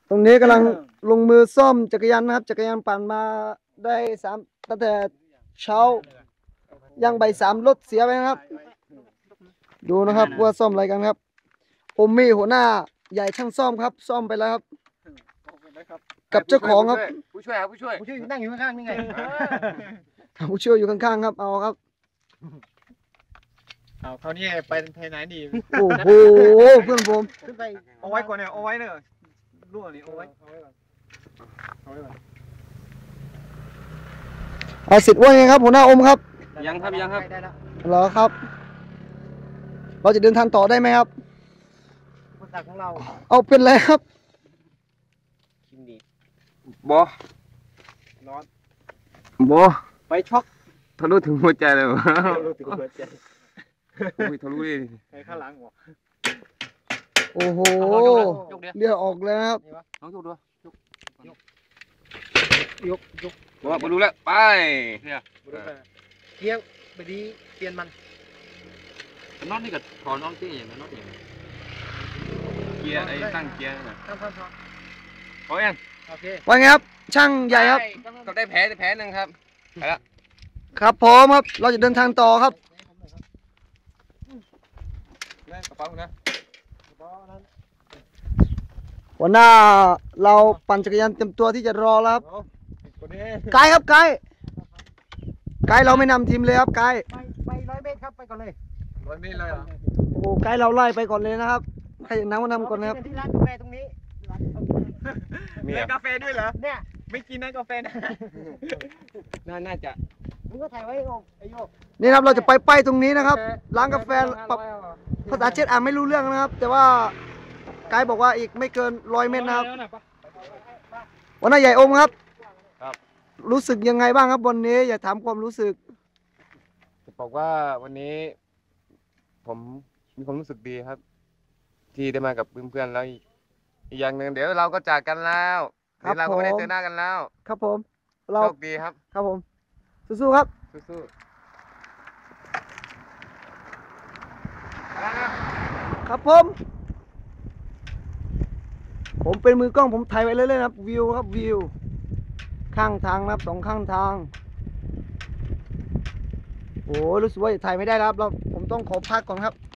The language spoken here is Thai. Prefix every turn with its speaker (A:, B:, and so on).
A: ตรงนี้กำลังลงมือซ่อมจักรยานนะครับจักรยานปั่นมาได้ตั้งแต่เช้ายังบ่ายสามรถเสียไปนะครับดูนะครับว่าซ่อมอะไรกันครับอมมี่หัวหน้าใหญ่ช่างซ่อมครับซ่อมไปแล้วครับกับเจ้าของครับ
B: ผู้ช่วยนั่งอยู่ข้างๆนี่ไง
A: ผู้ช่วยอยู่ข้างๆครับเอาครับ
C: เอาเขานี่ไปไหนดี
A: โอ้โหเพื่อนผม
C: ขึ้นไปเอาไว้ก่อนเนี่ยเอาไว้เนอะรั่วนี่เอาไว้ก่อน
A: เอาสิทธิ์ว่าไงครับหัวหน้าอมครับ
B: ยังครับ
A: เหรอครับเราจะเดินทางต่อได้ไหมครับ
C: คนตักของเรา
A: เอาเป็นไรครับ
B: บอ
C: ร้อน
B: บอ
C: ไปช็อก
B: ทะลุถึงหัวใจเลยวะ
C: ทะลุถึงหัวใจ
B: ทะลุดิ
C: ไปข้างหลังหัว
A: โอ้โหเลือดออกเลยครับ
B: น้องยกด้วย
C: ยก
B: บอกมาดูแล้วไป
C: เนี่ยเกี้ยวไปดีเปลี่ยนมัน
B: น็อตนี่กับถอนน็อตที่อย่างนั้นน็อตอย่างเกียร์ไอ้ตั้งเกียร์น่ะพอยัง
C: โอเค
A: ว่าไงครับช่างใหญ่ครับ
B: ก็ได้แผลหนึ่งครับไปแล้ว
A: ครับพร้อมครับเราจะเดินทางต่อครับ
B: กระเป๋านะ
A: หัวหน้าเราปั่นจักรยานเต็มตัวที่จะรอแล้วครับไกด์ครับไกด์เราไม่นำทีมเลยครับไกด์
C: ไป100 เมตรครับไปก่อนเลย
B: 100 เมตรเลยเหรอ
A: โอ้ไกด์เราไล่ไปก่อนเลยนะครับใครน้ำก็นำก่อนนะครับ
C: ที่ร้านกาแฟตรงนี้มีกาแฟด้วยเหรอเนี่ยไม่กินนะกาแฟนะ
B: น่าจะ
C: มึงก็ถ่ายไว้ไอ้โยก
A: นี่ครับเราจะไปป้ายตรงนี้นะครับร้านกาแฟภาษาเช็ดอ่านไม่รู้เรื่องนะครับแต่ว่าไกด์บอกว่าอีกไม่เกิน100 เมตรนะครับวันนี้ใหญ่อมครับรู้สึกยังไงบ้างครับวันนี้อย่าถามความรู้สึก
B: จะบอกว่าวันนี้ผมมีความรู้สึกดีครับที่ได้มากับเพื่อนๆแล้วอีกอย่างหนึ่งเดี๋ยวเราก็จากกันแล้วเราก็ไม่ได้เจอหน้ากันแล้ว
A: ครับผม
B: โชคดีครับ
A: ครับผมสู้ๆครับ
B: สู้
A: ๆครับผมเป็นมือกล้องผมถ่ายไว้เรื่อยๆครับวิวครับวิวข้างทางนะครับ2 ข้างทางโอ้รู้สึกว่าจะถ่ายไม่ได้ครับผมต้องขอพักก่อนครับ